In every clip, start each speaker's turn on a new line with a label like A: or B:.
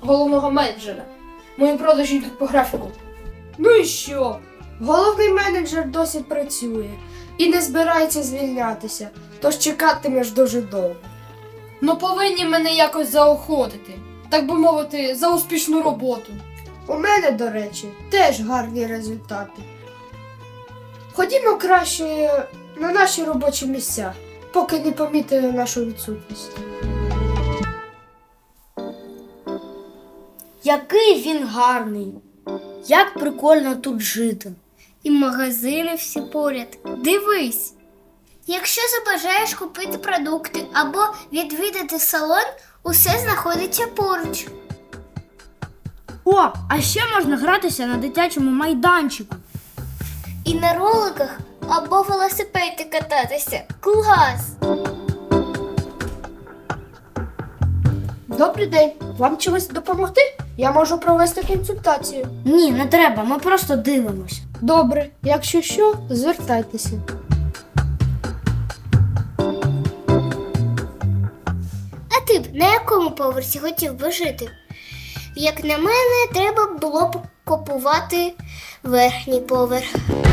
A: головного менеджера. Мої продажі йдуть по графіку. Ну і що? Головний менеджер досі працює і не збирається звільнятися, тож чекатимеш дуже довго. Ну повинні мене якось заохотити, так би мовити, за успішну роботу. У мене, до речі, теж гарні результати. Ходімо краще на наші робочі місця, поки не помітили нашу відсутність.
B: Який він гарний! Як прикольно тут жити.
C: І магазини всі поряд. Дивись! Якщо забажаєш купити продукти або відвідати салон, усе знаходиться поруч.
B: О, а ще можна гратися на дитячому майданчику.
C: І на роликах або велосипеді кататися. Клас!
A: Добрий день. Вам чогось допомогти? Я можу провести консультацію.
B: Ні, не треба, ми просто дивимося.
A: Добре, якщо що, звертайтеся.
C: А ти б на якому поверсі хотів би жити? Як на мене, треба було б купувати верхній поверх.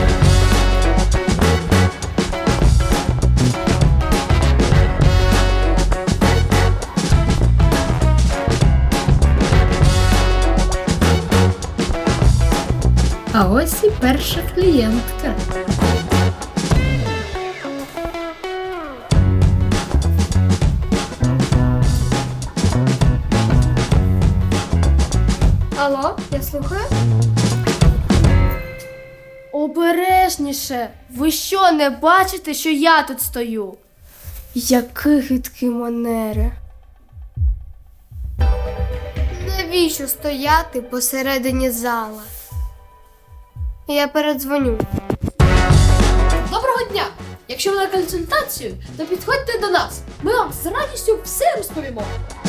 A: А ось і перша клієнтка. Алло, я слухаю? Обережніше! Ви що, не бачите, що я тут стою? Які гидкі манери. Навіщо стояти посередині зала? Я передзвоню. Доброго дня! Якщо ви на консультацію, то підходьте до нас. Ми вам з радістю все розповімо.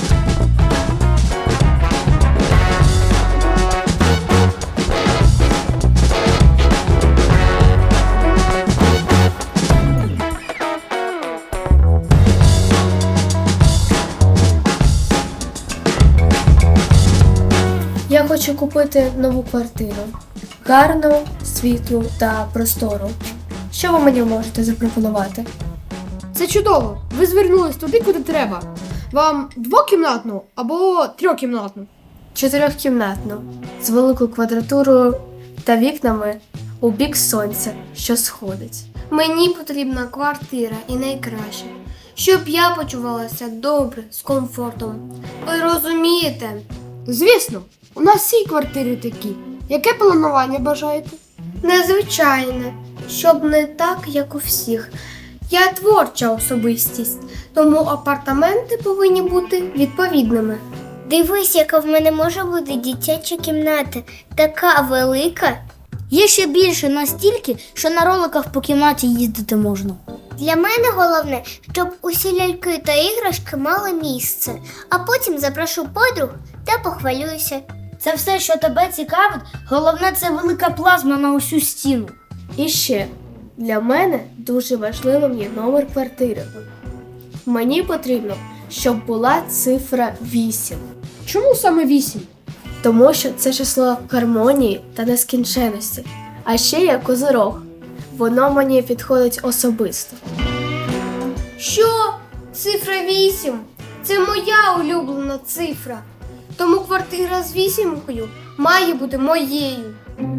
A: Я хочу купити нову квартиру. Гарну, світлу та простору. Що ви мені можете запропонувати? Це чудово! Ви звернулись туди, куди треба. Вам двокімнатну або трьохкімнатну? Чотирьохкімнатну. З великою квадратурою та вікнами у бік сонця, що сходить. Мені потрібна квартира і найкраще, щоб я почувалася добре, з комфортом. Ви розумієте? Звісно, у нас всі квартири такі. Яке планування бажаєте? Незвичайне, щоб не так, як у всіх. Я творча особистість, тому апартаменти повинні бути відповідними.
C: Дивись, яка в мене може бути дитяча кімната. Така велика.
B: Є ще більше настільки, що на роликах по кімнаті їздити можна.
C: Для мене головне, щоб усі ляльки та іграшки мали місце, а потім запрошу подруг та похвалююся.
B: Це все, що тебе цікавить, головне це велика плазма на усю стіну.
A: І ще, для мене дуже важливим є номер квартири. Мені потрібно, щоб була цифра 8. Чому саме 8? Тому що це число гармонії та нескінченності. А ще є козирог. Воно мені підходить особисто. Що? Цифра 8? Це моя улюблена цифра. Тому квартира з 8-кою має бути моєю.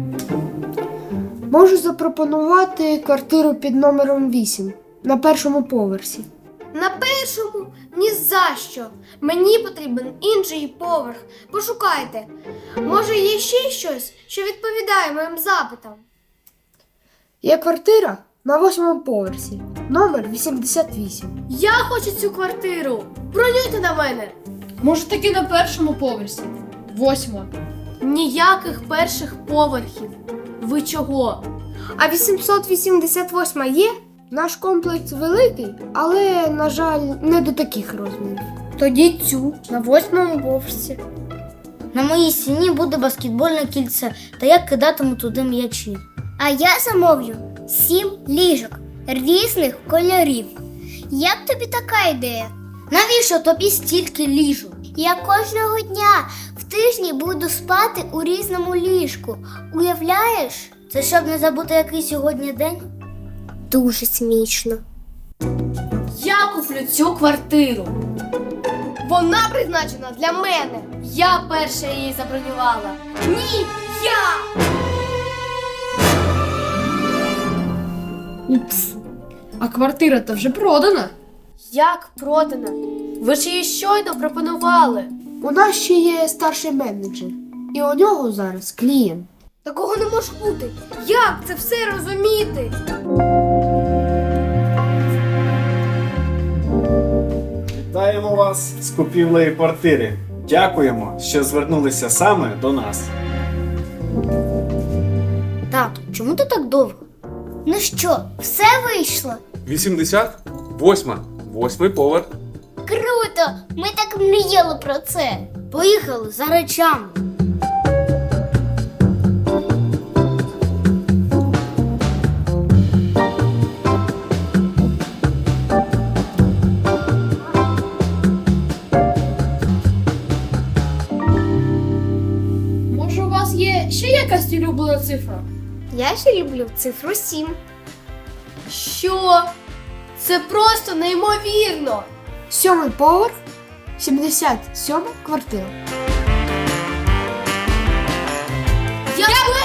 A: Можу запропонувати квартиру під номером 8 на першому поверсі. На першому? Ні за що. Мені потрібен інший поверх. Пошукайте. Може, є ще щось, що відповідає моїм запитам? Є квартира на 8-му поверсі. Номер 88. Я хочу цю квартиру. Бронюйте на мене. Може, таки на першому поверсі. 8-ма. Ніяких перших поверхів. Ви чого? А 888 є? Наш комплекс великий, але, на жаль, не до таких розмірів. Тоді цю на 8-му поверсі.
B: На моїй стіні буде баскетбольне кільце, та я кидатиму туди м'ячі.
C: А я замовлю 7 ліжок різних кольорів. Як тобі така ідея?
B: Навіщо тобі стільки ліжок?
C: Я кожного дня в тижні буду спати у різному ліжку. Уявляєш?
B: Це щоб не забути, який сьогодні день?
C: Дуже смішно.
A: Я куплю цю квартиру. Вона призначена для мене. Я перша її забронювала. Ні, я! Упс. А квартира-то вже продана. Як продана? Ви ж її щойно пропонували.
D: У нас ще є старший менеджер, і у нього зараз клієнт.
A: Такого не може бути. Як це все розуміти?
E: Вітаємо вас з купівлею квартири. Дякуємо, що звернулися саме до нас.
B: Тату, чому ти так довго?
C: Ну що, все вийшло?
F: 88. 8-й поверх.
C: Круто! Ми так мріяли про це.
B: Поїхали за речами.
A: Може, у вас є ще якась улюблена цифра?
C: Я ще люблю цифру 7.
A: Що? Це просто неймовірно!
D: 7-й поверх, 77 квартира.
A: Я